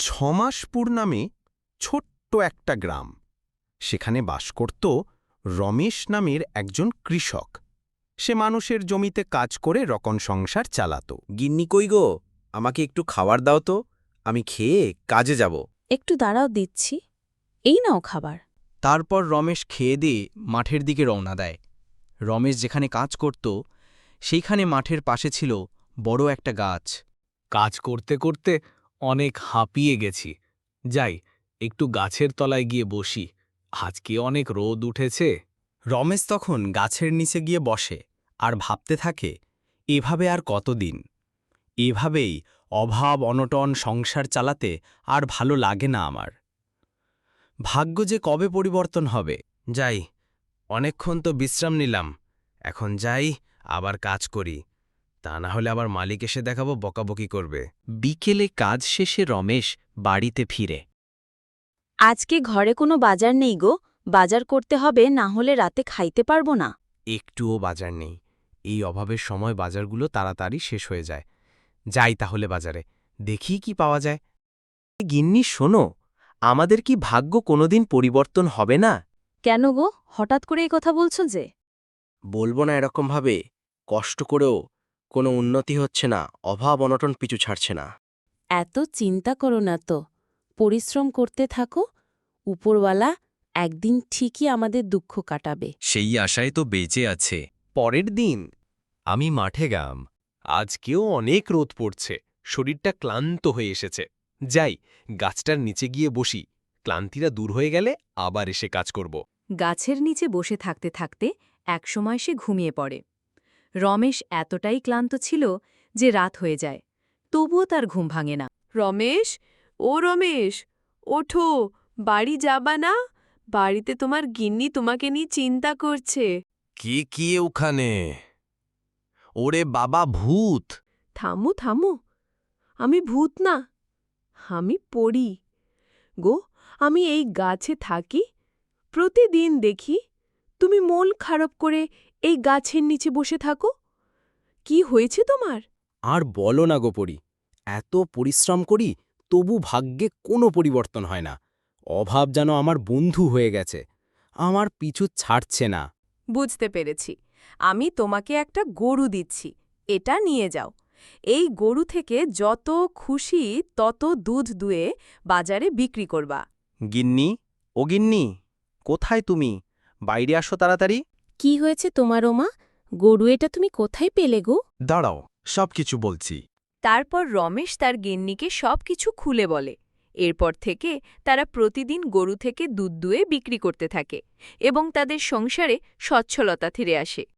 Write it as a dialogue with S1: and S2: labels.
S1: ছমাসপুর নামে ছোট্ট একটা গ্রাম। সেখানে বাস করত রমেশ নামের একজন কৃষক। সে মানুষের জমিতে কাজ করে রকন সংসার চালাত।
S2: গিন্নি কই গো, আমাকে একটু খাবার দাও তো, আমি খেয়ে কাজে যাব।
S3: একটু দাঁড়াও দিচ্ছি। এই নাও খাবার।
S4: তারপর রমেশ খেয়ে দিয়ে মাঠের দিকে রওনা দেয়। রমেশ যেখানে কাজ করত সেইখানে মাঠের পাশে ছিল বড় একটা গাছ।
S5: কাজ করতে করতে অনেক হাঁপিয়ে গেছি, যাই একটু গাছের তলায় গিয়ে বসি, আজকে অনেক রোদ উঠেছে।
S6: রমেশ তখন গাছের নিচে গিয়ে বসে আর ভাবতে থাকে, এভাবে আর কতদিন? এভাবেই অভাব অনটন সংসার চালাতে আর ভালো লাগে না আমার। ভাগ্য যে কবে পরিবর্তন হবে।
S2: যাই, অনেকক্ষণ তো বিশ্রাম নিলাম, এখন যাই আবার কাজ করি, তা না হলে আবার মালিক এসে দেখাবো বকাবকি করবে।
S4: বিকেলে কাজ শেষে রমেশ বাড়িতে ফিরে।
S3: আজকে ঘরে কোনো বাজার নেই গো, বাজার করতে হবে, না হলে রাতে খাইতে পারবো না।
S2: একটুও বাজার নেই, এই অভাবের সময় বাজারগুলো তাড়াতাড়ি শেষ হয়ে যায়। যাই তাহলে বাজারে, দেখি কি পাওয়া যায়।
S6: গিন্নি শোনো, আমাদের কি ভাগ্য কোনোদিন পরিবর্তন হবে না?
S3: কেন গো, হঠাৎ করে এই কথা বলছো যে?
S2: বলবো না এরকমভাবে, কষ্ট করেও কোনো উন্নতি হচ্ছে না, অভাব অনটন পিছু ছাড়ছে না।
S3: এত চিন্তা করো না তো, পরিশ্রম করতে থাকো, উপরওয়ালা একদিন ঠিকই আমাদের দুঃখ কাটাবে।
S6: সেই আশায় তো বেঁচে আছে।
S1: পরের দিন
S6: আমি মাঠে গাম।
S5: আজকেও অনেক রোদ পড়ছে, শরীরটা ক্লান্ত হয়ে এসেছে। যাই গাছটার নিচে গিয়ে বসি, ক্লান্তিরা দূর হয়ে গেলে আবার এসে কাজ করব।
S7: গাছের নিচে বসে থাকতে থাকতে একসময় সে ঘুমিয়ে পড়ে। রমেশ এতটাই ক্লান্ত ছিল যে রাত হয়ে যায়, তবুও তার ঘুম ভাঙে না।
S8: রমেশ, ও রমেশ, ওঠো, বাড়ি যাবা না? বাড়িতে তোমার গিন্নি তোমাকে নিয়ে চিন্তা করছে।
S2: কি ওখানে? ওরে বাবা, ভূত!
S8: থামো থামো, আমি ভূত না, আমি পড়ি গো। আমি এই গাছে থাকি, প্রতিদিন দেখি তুমি মন খারাপ করে এই গাছের নিচে বসে থাকো। কি হয়েছে তোমার?
S6: আর বলো না গোপরি, এত পরিশ্রম করি তবু ভাগ্যে কোনো পরিবর্তন হয় না। অভাব যেন আমার বন্ধু হয়ে গেছে, আমার পিছু ছাড়ছে না।
S8: বুঝতে পেরেছি, আমি তোমাকে একটা গরু দিচ্ছি, এটা নিয়ে যাও। এই গরু থেকে যত খুশি তত দুধ দুয়ে বাজারে বিক্রি করবা।
S6: গিন্নি, ও গিন্নি, কোথায় তুমি? বাইরে আসো তাড়াতাড়ি।
S3: কি হয়েছে তোমার ওমা? গরু এটা তুমি কোথায় পেলে গো?
S6: দাঁড়াও, সবকিছু বলছি।
S8: তারপর রমেশ তার গিন্নিকে সবকিছু খুলে বলে। এরপর থেকে তারা প্রতিদিন গরু থেকে দুধ দুয়ে বিক্রি করতে থাকে এবং তাদের সংসারে সচ্ছলতা ফিরে আসে।